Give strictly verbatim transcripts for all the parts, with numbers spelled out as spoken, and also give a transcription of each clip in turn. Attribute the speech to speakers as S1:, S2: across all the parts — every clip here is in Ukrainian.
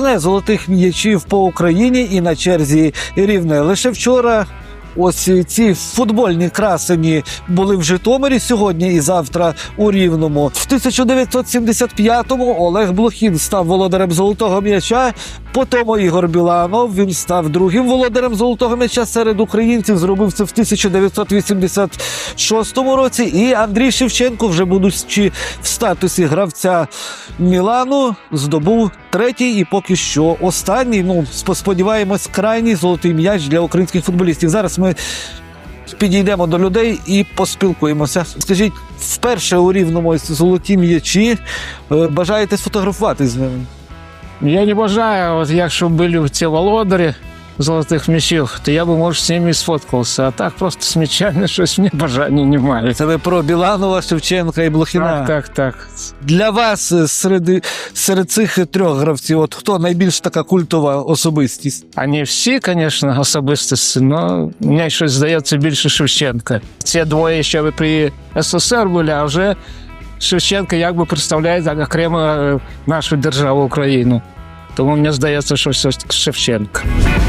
S1: турне золотих м'ячів по Україні і на черзі Рівне. Лише вчора ось ці футбольні красені були в Житомирі сьогодні і завтра у Рівному. В тисяча дев'ятсот сімдесят п'ятому Олег Блохін став володарем золотого м'яча, потім Ігор Біланов, він став другим володарем золотого м'яча серед українців, зробив це в тисяча дев'ятсот вісімдесят шостому році, і Андрій Шевченко, вже будучи в статусі гравця Мілану, здобув третій і поки що останній, ну, сподіваємось, крайній золотий м'яч для українських футболістів. Зараз ми підійдемо до людей і поспілкуємося. Скажіть, вперше у Рівному золоті м'ячі, бажаєте сфотографувати з ними?
S2: Я не бажаю, от якщо були ці володарі золотих м'ячів, то я би, може, з ними сфоткався. А так просто з м'ячами щось мені бажання немає.
S1: Це ви про Біланова, Шевченка і Блохіна?
S2: Так, так, так.
S1: Для вас серед, серед цих трьох гравців, от хто найбільш така культова особистість?
S2: Вони всі, звісно, особистості, але мені щось здається більше Шевченка. Ці двоє ще при СССР були, а вже Шевченко якби представляє окремо нашу державу Україну. Тому мені здається, що все Шевченко.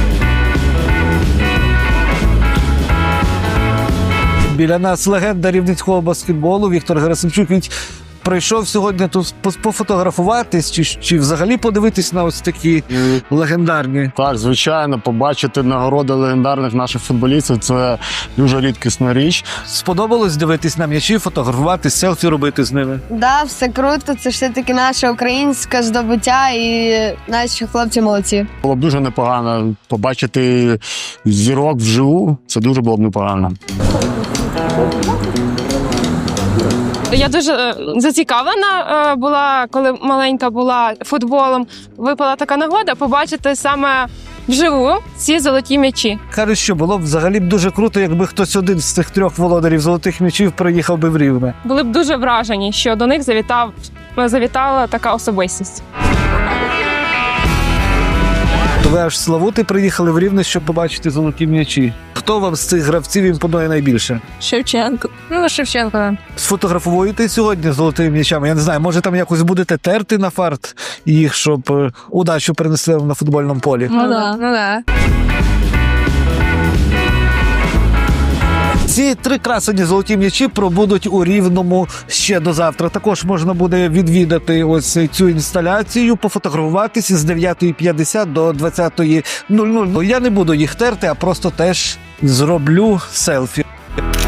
S1: Біля нас легенда рівненського баскетболу Віктор Герасимчук. Він прийшов сьогодні тут пофотографуватись чи, чи взагалі подивитись на ось такі легендарні?
S3: Так, звичайно, побачити нагороди легендарних наших футболістів – це дуже рідкісна річ.
S1: Сподобалось дивитись на м'ячі, фотографуватись, селфі робити з ними?
S4: Да, все круто, це ж все-таки наше українське здобуття і наші хлопці молодці.
S3: Було б дуже непогано побачити зірок вживу, це дуже було б непогано.
S5: Я дуже зацікавлена була, коли маленька була футболом. Випала така нагода побачити саме вживу ці золоті м'ячі.
S1: Кажуть, що було б взагалі б дуже круто, якби хтось один з цих трьох володарів золотих м'ячів приїхав би в Рівне.
S5: Були б дуже вражені, що до них завітав, завітала така особистість.
S1: То ви аж з Славути приїхали в Рівне, щоб побачити золоті м'ячі. Хто вам з цих гравців імпонує найбільше?
S5: Шевченко. Ну, Шевченко.
S1: Сфотографуєте сьогодні золотими м'ячами? Я не знаю, може там якось будете терти на фарт їх, щоб е, удачу принесли на футбольному полі?
S5: Ну да, ну да.
S1: Ці три красені золоті м'ячі пробудуть у Рівному ще до завтра. Також можна буде відвідати ось цю інсталяцію, пофотографуватися з дев'ятої п'ятдесят до двадцятої нуль нуль. Я не буду їх терти, а просто теж зроблю селфі.